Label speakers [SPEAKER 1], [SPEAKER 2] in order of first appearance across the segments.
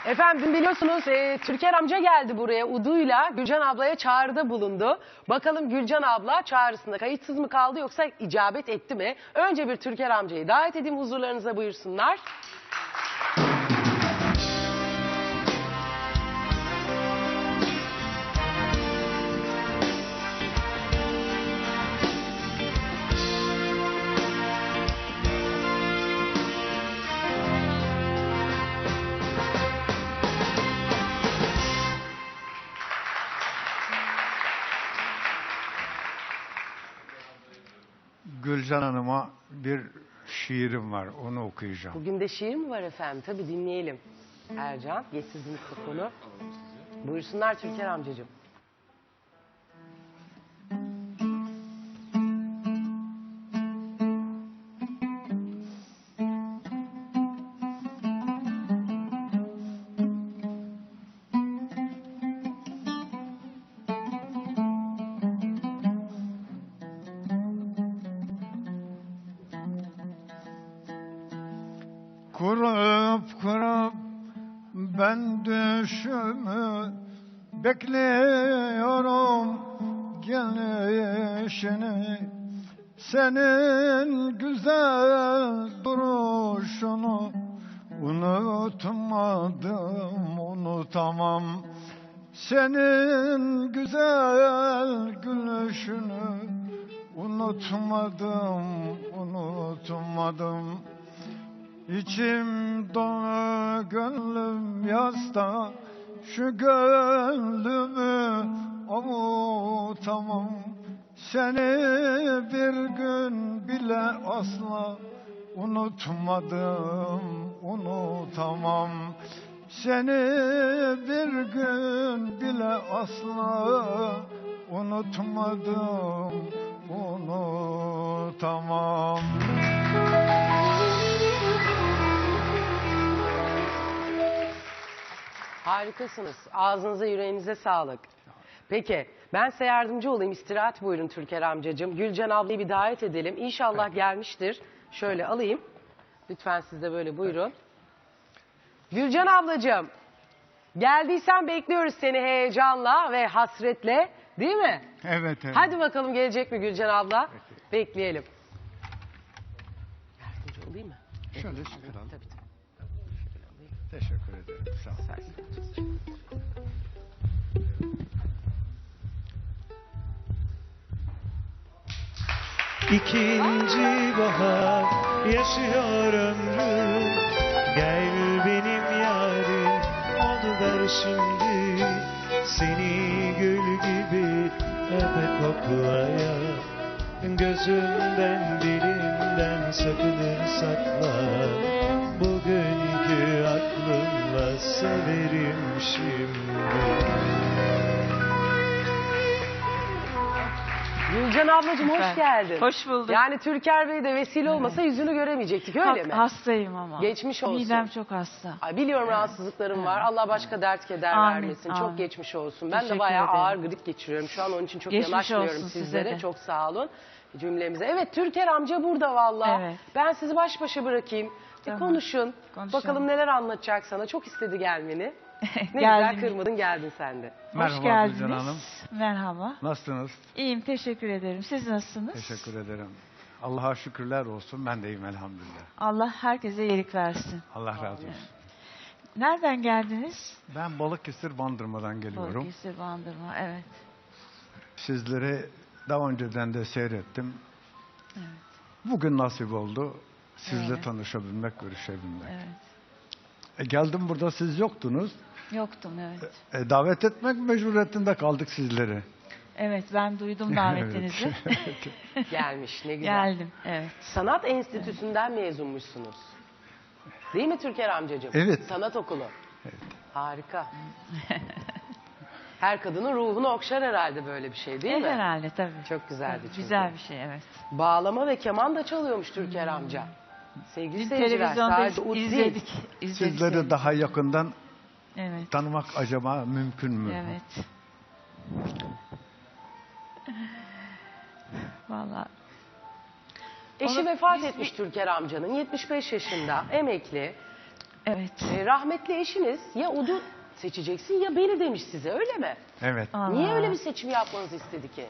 [SPEAKER 1] Efendim biliyorsunuz Türker amca geldi buraya uduyla Gülcan ablaya çağrıda bulundu. Bakalım Gülcan abla çağrısında kayıtsız mı kaldı yoksa icabet etti mi? Önce bir Türker amcayı davet edeyim, huzurlarınıza buyursunlar.
[SPEAKER 2] Gülcan Hanım'a bir şiirim var, onu okuyacağım.
[SPEAKER 1] Bugün de şiir mi var efendim? Tabii dinleyelim. Ercan, geç sizin mikrofonu. Buyursunlar Türker amcacığım.
[SPEAKER 2] Kurup kurup ben düşümü bekliyorum gelişini. Senin güzel duruşunu unutmadım, unutamam. Senin güzel gülüşünü unutmadım, unutmadım. İçim dolu gönlüm yasta, şu gönlümü avutamam. Seni bir gün bile asla unutmadım, unutamam. Seni bir gün bile asla unutmadım, unutamam.
[SPEAKER 1] Harikasınız. Ağzınıza yüreğinize sağlık. Peki ben size yardımcı olayım. İstirahat buyurun Türker amcacığım. Gülcan ablayı bir davet edelim. İnşallah gelmiştir. Şöyle alayım. Lütfen siz de böyle buyurun. Gülcan ablacığım. Geldiysen bekliyoruz seni heyecanla ve hasretle. Değil mi?
[SPEAKER 2] Evet, evet.
[SPEAKER 1] Hadi bakalım gelecek mi Gülcan abla?
[SPEAKER 2] Peki.
[SPEAKER 1] Bekleyelim. Yardımcı olayım mı?
[SPEAKER 2] Şöyle çıkaralım.
[SPEAKER 1] Tabii.
[SPEAKER 2] Teşekkür ederim. Sağ olun.
[SPEAKER 3] İkinci bahar yaşıyor ömrüm. Gel benim yarim oluver şimdi. Seni gül gibi öpe koklaya. Gözümden dilimden sakınır sakla. Bugünkü aklımla severim şimdi.
[SPEAKER 1] Gülcan ablacığım hoş geldin.
[SPEAKER 4] Hoş bulduk.
[SPEAKER 1] Yani Türker Bey de vesile olmasa yüzünü göremeyecektik öyle mi?
[SPEAKER 4] Hastayım ama.
[SPEAKER 1] Geçmiş olsun.
[SPEAKER 4] Midem çok hasta.
[SPEAKER 1] Ay biliyorum rahatsızlıklarım var. Allah başka dert keder
[SPEAKER 4] Amin,
[SPEAKER 1] vermesin.
[SPEAKER 4] amin.
[SPEAKER 1] Çok geçmiş olsun. Ben de
[SPEAKER 4] Teşekkür
[SPEAKER 1] bayağı
[SPEAKER 4] ederim.
[SPEAKER 1] ağır grip geçiriyorum. Şu an onun için çok
[SPEAKER 4] Geçmiş
[SPEAKER 1] yanaşmıyorum
[SPEAKER 4] olsun size
[SPEAKER 1] sizlere.
[SPEAKER 4] de.
[SPEAKER 1] Çok sağ olun cümlemize. Evet Türker amca burada vallahi.
[SPEAKER 4] Evet.
[SPEAKER 1] Ben sizi baş başa bırakayım.
[SPEAKER 4] Tamam.
[SPEAKER 1] Konuşun.
[SPEAKER 4] Konuşalım.
[SPEAKER 1] Bakalım neler anlatacak sana. Çok istedi gelmeni. Ne
[SPEAKER 4] Geldim.
[SPEAKER 1] güzel kırmadın geldin sen de.
[SPEAKER 4] Hoş
[SPEAKER 2] Merhaba
[SPEAKER 4] geldiniz.
[SPEAKER 2] Gülcan Hanım.
[SPEAKER 4] Merhaba.
[SPEAKER 2] Nasılsınız?
[SPEAKER 4] İyiyim, teşekkür ederim. Siz nasılsınız?
[SPEAKER 2] Teşekkür ederim. Allah'a şükürler olsun. Ben de iyiyim elhamdülillah.
[SPEAKER 4] Allah herkese iyilik versin.
[SPEAKER 2] Allah razı olsun.
[SPEAKER 4] Nereden geldiniz?
[SPEAKER 2] Ben Balıkesir Bandırma'dan geliyorum.
[SPEAKER 4] Balıkesir Bandırma, evet.
[SPEAKER 2] Sizleri daha önceden de seyrettim.
[SPEAKER 4] Evet.
[SPEAKER 2] Bugün nasip oldu. Sizle
[SPEAKER 4] Evet.
[SPEAKER 2] tanışabilmek, görüşebilmek.
[SPEAKER 4] Evet.
[SPEAKER 2] Geldim burada siz yoktunuz.
[SPEAKER 4] Yoktum, evet.
[SPEAKER 2] Davet etmek mecburiyetinde kaldık sizleri.
[SPEAKER 4] Evet, ben duydum davetinizi.
[SPEAKER 1] Gelmiş ne güzel.
[SPEAKER 4] Geldim, evet.
[SPEAKER 1] Sanat Enstitüsü'nden mezunmuşsunuz. Değil mi Türker amcacığım?
[SPEAKER 2] Evet.
[SPEAKER 1] Sanat okulu. Evet. Harika. Her kadının ruhunu okşar herhalde böyle bir şey değil mi?
[SPEAKER 4] Herhalde tabii.
[SPEAKER 1] Çok güzeldi çünkü.
[SPEAKER 4] Güzel bir şey, evet.
[SPEAKER 1] Bağlama ve keman da çalıyormuş Türker amca. Sevgili
[SPEAKER 4] Dün
[SPEAKER 1] seyirciler
[SPEAKER 4] televizyonda
[SPEAKER 1] sadece ut değil.
[SPEAKER 4] izledik.
[SPEAKER 2] Sizleri daha yakından
[SPEAKER 4] Evet.
[SPEAKER 2] tanımak acaba mümkün mü?
[SPEAKER 4] Evet. Vallahi
[SPEAKER 1] Eşi
[SPEAKER 4] Onu
[SPEAKER 1] vefat
[SPEAKER 4] biz
[SPEAKER 1] etmiş Türker amcanın. 75 yaşında, emekli.
[SPEAKER 4] Evet.
[SPEAKER 1] Rahmetli eşiniz ya Ud'u seçeceksin ya beni demiş size, öyle mi?
[SPEAKER 2] Evet.
[SPEAKER 1] Niye öyle bir seçim yapmanızı istedi ki?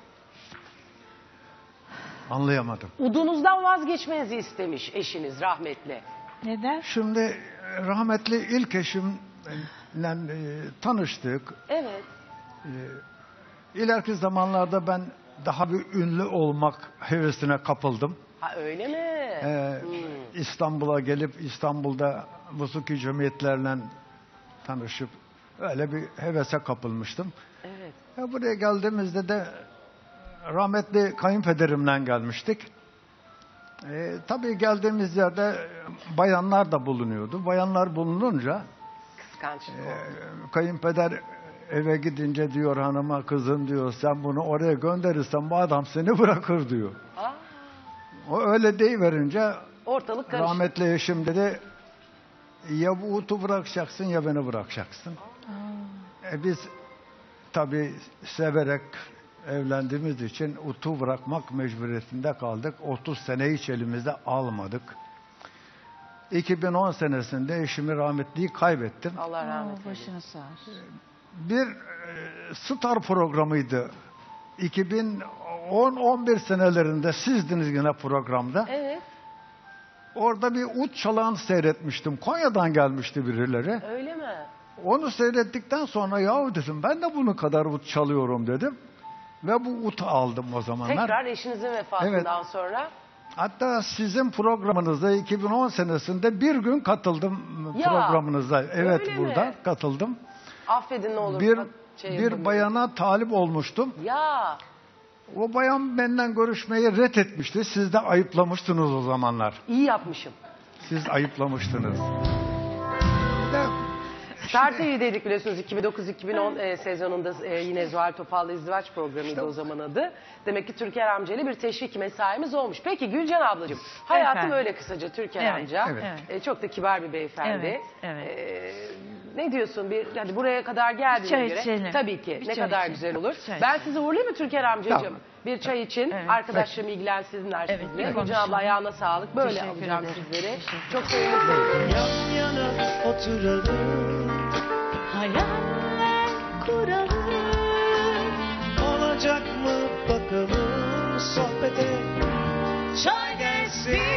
[SPEAKER 2] Anlayamadım.
[SPEAKER 1] Udunuzdan vazgeçmenizi istemiş eşiniz rahmetli.
[SPEAKER 4] Neden?
[SPEAKER 2] Şimdi rahmetli ilk eşimle tanıştık.
[SPEAKER 1] Evet.
[SPEAKER 2] İleriki zamanlarda ben daha bir ünlü olmak hevesine kapıldım.
[SPEAKER 1] Ha öyle mi?
[SPEAKER 2] İstanbul'a gelip İstanbul'da musiki cemiyetlerle tanışıp öyle bir hevese kapılmıştım.
[SPEAKER 1] Evet.
[SPEAKER 2] Buraya geldiğimizde de rahmetli kayınpederimle gelmiştik. Tabii geldiğimiz yerde bayanlar da bulunuyordu. Bayanlar bulununca
[SPEAKER 1] Kıskançlık oldu.
[SPEAKER 2] kayınpeder eve gidince diyor hanıma, kızım diyor, sen bunu oraya gönderirsen bu adam seni bırakır diyor.
[SPEAKER 1] Aa,
[SPEAKER 2] O öyle deyiverince
[SPEAKER 1] ortalık karıştı.
[SPEAKER 2] rahmetli eşim dedi, ya bu Ut'u bırakacaksın ya beni bırakacaksın. Biz tabii severek evlendiğimiz için Ut'u bırakmak mecburiyetinde kaldık. 30 sene hiç elimizde almadık. 2010 senesinde eşimi rahmetliyi kaybettim.
[SPEAKER 1] Allah rahmet eylesin.
[SPEAKER 4] Başını sağ olsun.
[SPEAKER 2] Bir star programıydı. 2010-11 senelerinde sizdiniz yine programda.
[SPEAKER 1] Evet.
[SPEAKER 2] Orada bir ut çalağını seyretmiştim. Konya'dan gelmişti birileri.
[SPEAKER 1] Öyle mi?
[SPEAKER 2] Onu seyrettikten sonra yahu dedim ben de bunun kadar ut çalıyorum dedim. Ve bu utu aldım o zamanlar.
[SPEAKER 1] Tekrar eşinizin vefatından sonra.
[SPEAKER 2] Hatta sizin programınıza 2010 senesinde bir gün katıldım
[SPEAKER 1] Ya,
[SPEAKER 2] programınıza. Evet,
[SPEAKER 1] öyle
[SPEAKER 2] burada
[SPEAKER 1] mi?
[SPEAKER 2] katıldım.
[SPEAKER 1] Affedin ne olur.
[SPEAKER 2] Bir
[SPEAKER 1] yapamıyorum.
[SPEAKER 2] bayana talip olmuştum.
[SPEAKER 1] Ya
[SPEAKER 2] O bayan benden görüşmeyi ret etmişti. Siz de ayıplamıştınız o zamanlar.
[SPEAKER 1] iyi yapmışım.
[SPEAKER 2] Siz ayıplamıştınız. Bir de
[SPEAKER 1] Star TV'deydik biliyorsunuz 2009-2010 sezonunda yine Zuhal Topal'la izdivaç programıydı o zaman adı. Demek ki Türker amcayla bir teşvik mesaimiz olmuş. Peki Gülcan ablacığım, hayatım
[SPEAKER 4] Efendim.
[SPEAKER 1] öyle kısaca Türker
[SPEAKER 4] Evet,
[SPEAKER 1] amca.
[SPEAKER 2] evet.
[SPEAKER 1] Çok da kibar bir beyefendi.
[SPEAKER 4] Evet, evet.
[SPEAKER 1] Ne diyorsun? Hadi buraya kadar geldiğine
[SPEAKER 4] çay
[SPEAKER 1] göre.
[SPEAKER 4] içelim.
[SPEAKER 1] Tabii ki.
[SPEAKER 4] Bir
[SPEAKER 1] ne
[SPEAKER 4] çay
[SPEAKER 1] kadar
[SPEAKER 4] içelim.
[SPEAKER 1] güzel olur.
[SPEAKER 4] Çay
[SPEAKER 1] Ben
[SPEAKER 4] içelim.
[SPEAKER 1] sizi uğurlayayım mı Türker amcacığım?
[SPEAKER 2] Tamam.
[SPEAKER 1] Bir çay için.
[SPEAKER 4] Evet.
[SPEAKER 1] Arkadaşlarım ilgilensinler
[SPEAKER 4] Evet,
[SPEAKER 1] sizinle.
[SPEAKER 4] bir
[SPEAKER 1] Gülcan
[SPEAKER 4] konuşalım.
[SPEAKER 1] abla ayağına sağlık. Böyle
[SPEAKER 4] Teşekkür
[SPEAKER 1] alacağım
[SPEAKER 4] ederim.
[SPEAKER 1] sizleri.
[SPEAKER 4] Teşekkür
[SPEAKER 1] Çok sevindim.
[SPEAKER 3] Yan yana oturalım,
[SPEAKER 4] Hayaller kuralım.
[SPEAKER 3] olacak mı bakalım sohbete. Çay gelsin.